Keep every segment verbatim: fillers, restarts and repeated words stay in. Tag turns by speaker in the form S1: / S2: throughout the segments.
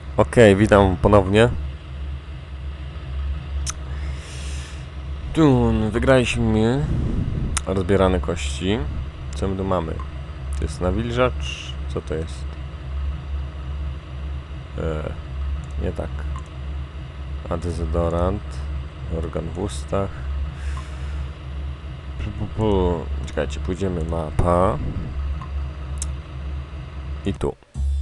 S1: Okej, witam ponownie. Tu wygraliśmy rozbierane kości. Co my tu mamy? To jest nawilżacz. Co to jest? Eee, nie tak. A dezodorant. Organ w ustach. Czekajcie, pójdziemy mapa. I tu.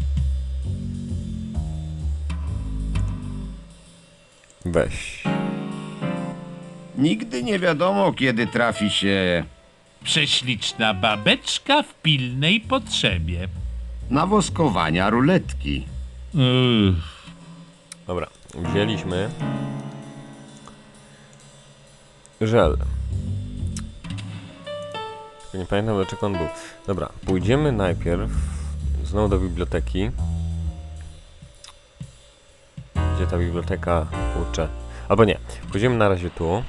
S1: Weź.
S2: Nigdy nie wiadomo, kiedy trafi się
S3: Prześliczna babeczka w pilnej potrzebie.
S2: nawoskowania ruletki.
S3: Uff.
S1: Dobra, wzięliśmy żel. Tylko nie pamiętam, dlaczego on był. Dobra, pójdziemy najpierw znowu do biblioteki. Gdzie ta biblioteka? Kurczę. Albo nie. Pójdziemy na razie tu.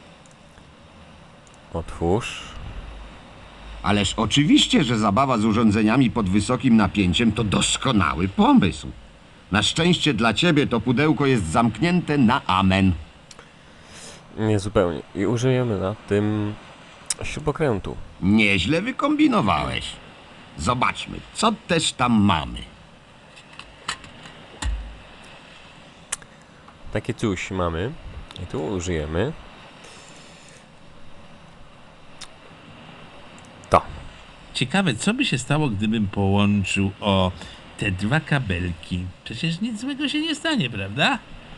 S1: Otwórz.
S2: Ależ oczywiście, że zabawa z urządzeniami pod wysokim napięciem to doskonały pomysł. Na szczęście dla ciebie to pudełko jest zamknięte na amen.
S1: Nie zupełnie. I użyjemy na tym śrubokrętu.
S2: Nieźle wykombinowałeś. Zobaczmy, co też tam mamy.
S1: Takie coś mamy. I tu użyjemy. To.
S3: Ciekawe, co by się stało, gdybym połączył o te dwa kabelki. Przecież nic złego się nie stanie, prawda?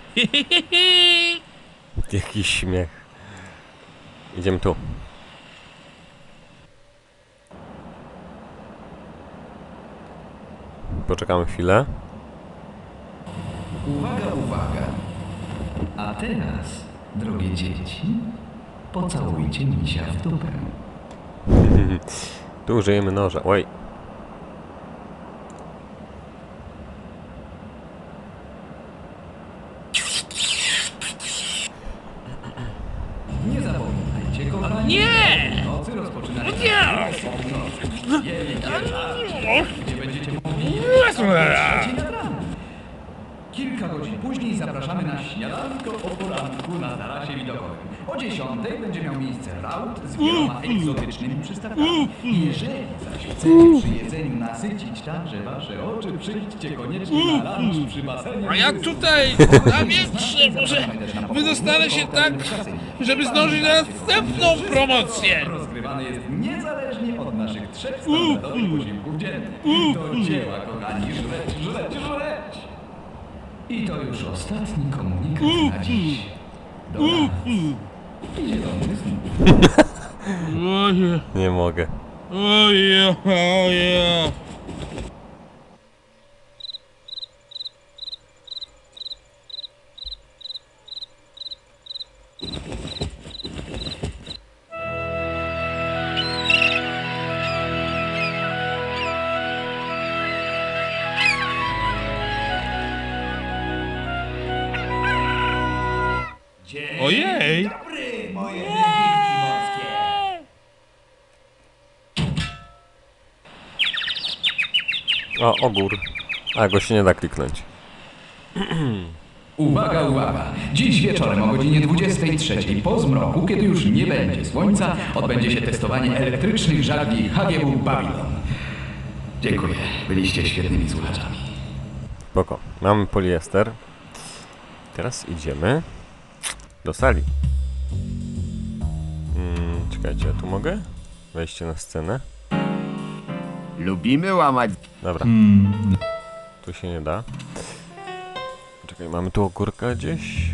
S1: Jakiś śmiech. Idziemy tu. Poczekamy chwilę.
S4: Uwaga, uwaga. A teraz, drogie dzieci, pocałujcie misia w dupę.
S1: Tu użyjemy noża. Oj.
S4: Nie zapominajcie, kochani.
S3: Nie!
S4: Nocy rozpoczynają.
S3: Nie!
S4: Gdzie będziecie mogli Kilka godzin później zapraszamy na śniadanko o poranku na tarasie widokowym. O dziesiątej będzie miał miejsce raut z wieloma egzotycznymi przystawkami. Jeżeli zaś chcecie przy jedzeniu nasycić także wasze oczy, przyjdźcie koniecznie na lunch przy basenie.
S3: A jak tutaj na wietrze może wydostanę się tak, żeby zdążyć na następną promocję.
S4: Rozgrywany jest niezależnie od naszych trzech standardowych posiłków dziennych. Do dzieła, kochani, żreć, żreć, żreć! I to już ostatni komunikat na dziś. Dobranoc. Idzie do mnie znów.
S3: Oje,
S1: Nie mogę.
S3: oje, oje. Ojej!
S4: Dobry, moje wilki morskie.
S1: O, ogór. A, go się nie da kliknąć.
S4: Uwaga, uwaga! Dziś wieczorem o godzinie dwudziestej trzeciej po zmroku, kiedy już nie będzie słońca, odbędzie się testowanie elektrycznych żagli H G W Babylon. Dziękuję, byliście świetnymi słuchaczami.
S1: Spoko. Mamy poliester. Teraz idziemy do sali. Hmm, czekajcie, ja tu mogę? Wejście na scenę.
S2: Lubimy łamać.
S1: Dobra. Tu się nie da. Czekaj, mamy tu ogórka gdzieś?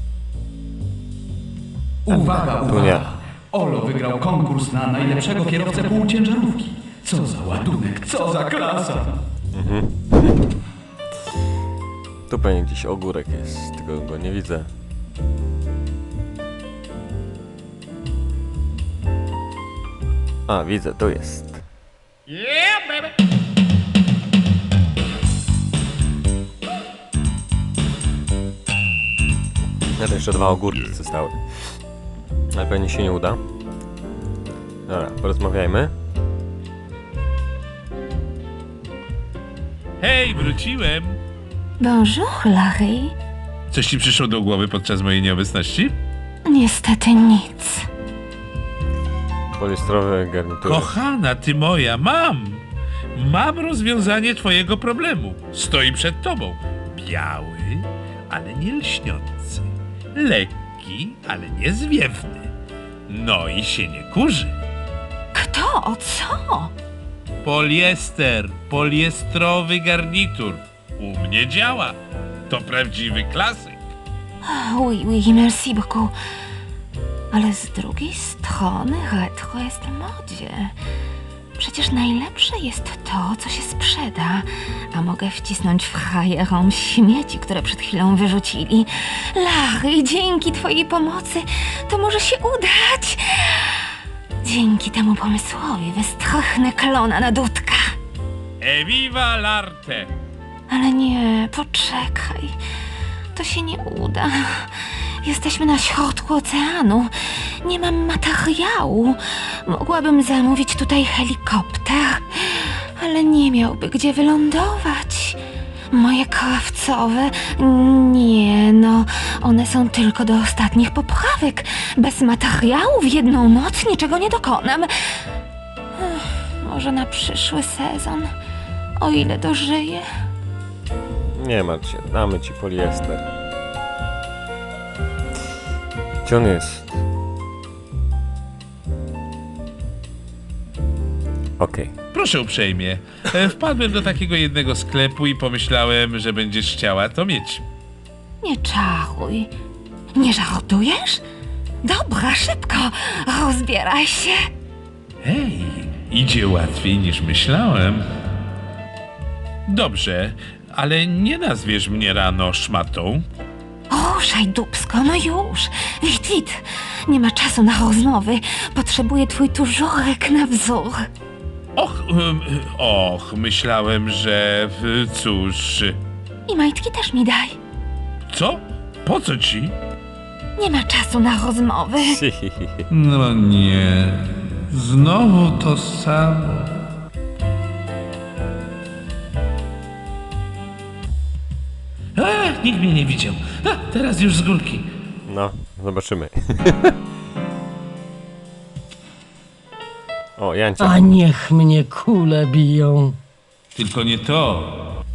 S4: Uwaga,
S1: Tu nie.
S4: uwaga! Olo wygrał konkurs na najlepszego kierowcę półciężarówki. Co za ładunek, co za klasa!
S1: Tu pewnie gdzieś ogórek jest, tylko go nie widzę. A, widzę, tu jest.
S3: Yeah, baby!
S1: Ja to jeszcze dwa ogórki zostały. Ale pewnie się nie uda. Dobra, porozmawiajmy.
S3: Hej, wróciłem.
S5: Bonjour, Larry.
S3: Coś ci przyszło do głowy podczas mojej nieobecności?
S5: Niestety nic.
S1: Poliestrowe garnitury.
S3: Kochana, ty moja, mam! Mam rozwiązanie twojego problemu. Stoi przed tobą. Biały, ale nie lśniący. Lekki, ale nie zwiewny. No i się nie kurzy.
S5: Kto? Co?
S3: Poliester, poliestrowy garnitur. U mnie działa. To prawdziwy klasyk.
S5: Oui, oui, merci beaucoup. Ale z drugiej strony retro jest w modzie. Przecież najlepsze jest to, co się sprzeda, a mogę wcisnąć frajerom śmieci, które przed chwilą wyrzucili. Larry, dzięki twojej pomocy to może się udać. Dzięki temu pomysłowi wystrochnę klona na dudka.
S3: Eviva l'arte!
S5: Ale nie, poczekaj. To się nie uda. Jesteśmy na środku oceanu. Nie mam materiału. Mogłabym zamówić tutaj helikopter, ale nie miałby gdzie wylądować. Moje krawcowe... Nie, no, one są tylko do ostatnich poprawek. Bez materiału w jedną noc niczego nie dokonam. Ech, może na przyszły sezon, o ile dożyję.
S1: Nie martw się, damy ci poliester. Gdzie on jest? Okej.
S3: Proszę uprzejmie. E, Wpadłem do takiego jednego sklepu i pomyślałem, że będziesz chciała to mieć.
S5: Nie czaruj. Nie żartujesz? Dobra, szybko, rozbieraj się.
S3: Hej, idzie łatwiej niż myślałem. Dobrze, ale nie nazwiesz mnie rano szmatą.
S5: Ruszaj, dupsko, no już. Wit, wit. Nie ma czasu na rozmowy. Potrzebuję twój tużurek na wzór.
S3: Och, em, och, myślałem, że... w- cóż...
S5: I majtki też mi daj.
S3: Co? Po co ci?
S5: Nie ma czasu na rozmowy.
S3: No nie, znowu to samo. A, nikt mnie nie widział. A, teraz już z górki.
S1: No, zobaczymy. O, Jancia.
S6: A niech mnie kule biją.
S3: Tylko nie to.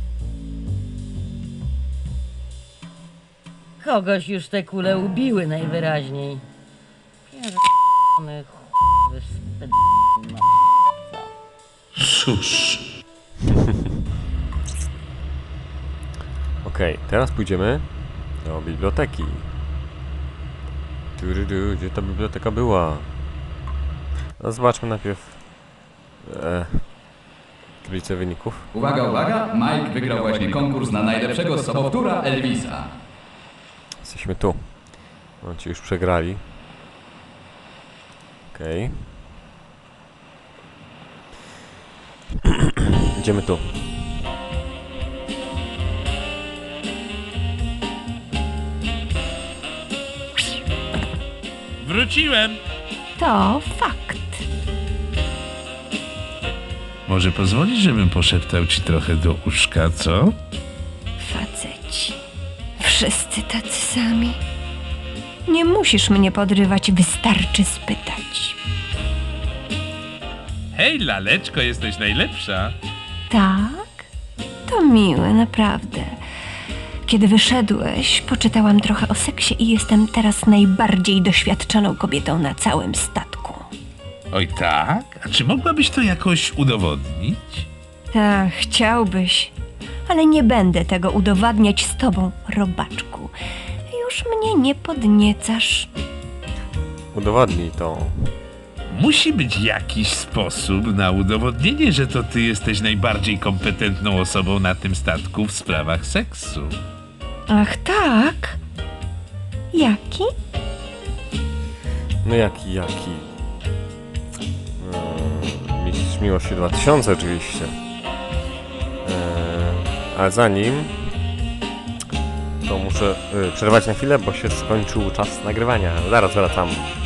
S6: Kogoś już te kule ubiły najwyraźniej. Pierdolony chuj, sped...
S3: Cóż.
S1: Okej, teraz pójdziemy do biblioteki. Tududu, gdzie ta biblioteka była? No, zobaczmy najpierw e, tablicę wyników.
S4: Uwaga, uwaga, Mike wygrał właśnie konkurs na najlepszego sobowtóra Elvisa.
S1: Jesteśmy tu. No, ci już przegrali. Okej. Idziemy tu.
S3: Wróciłem.
S5: To fakt.
S3: Może pozwolisz, żebym poszeptał ci trochę do uszka, co?
S5: Faceci. Wszyscy tacy sami. Nie musisz mnie podrywać, wystarczy spytać.
S3: Hej, laleczko, jesteś najlepsza.
S5: Tak? To miłe, naprawdę. Kiedy wyszedłeś, poczytałam trochę o seksie i jestem teraz najbardziej doświadczoną kobietą na całym statku.
S3: Oj tak? A czy mogłabyś to jakoś udowodnić?
S5: Tak, chciałbyś, ale nie będę tego udowadniać z tobą, robaczku. Już mnie nie podniecasz.
S1: Udowodnij to.
S3: Musi być jakiś sposób na udowodnienie, że to ty jesteś najbardziej kompetentną osobą na tym statku w sprawach seksu.
S5: Ach tak? Jaki?
S1: No jaki, jaki? Eee, Mistrz Miłości dwa tysiące oczywiście. Eee, ale zanim... To muszę y, przerwać na chwilę, bo się skończył czas nagrywania. Zaraz wracam.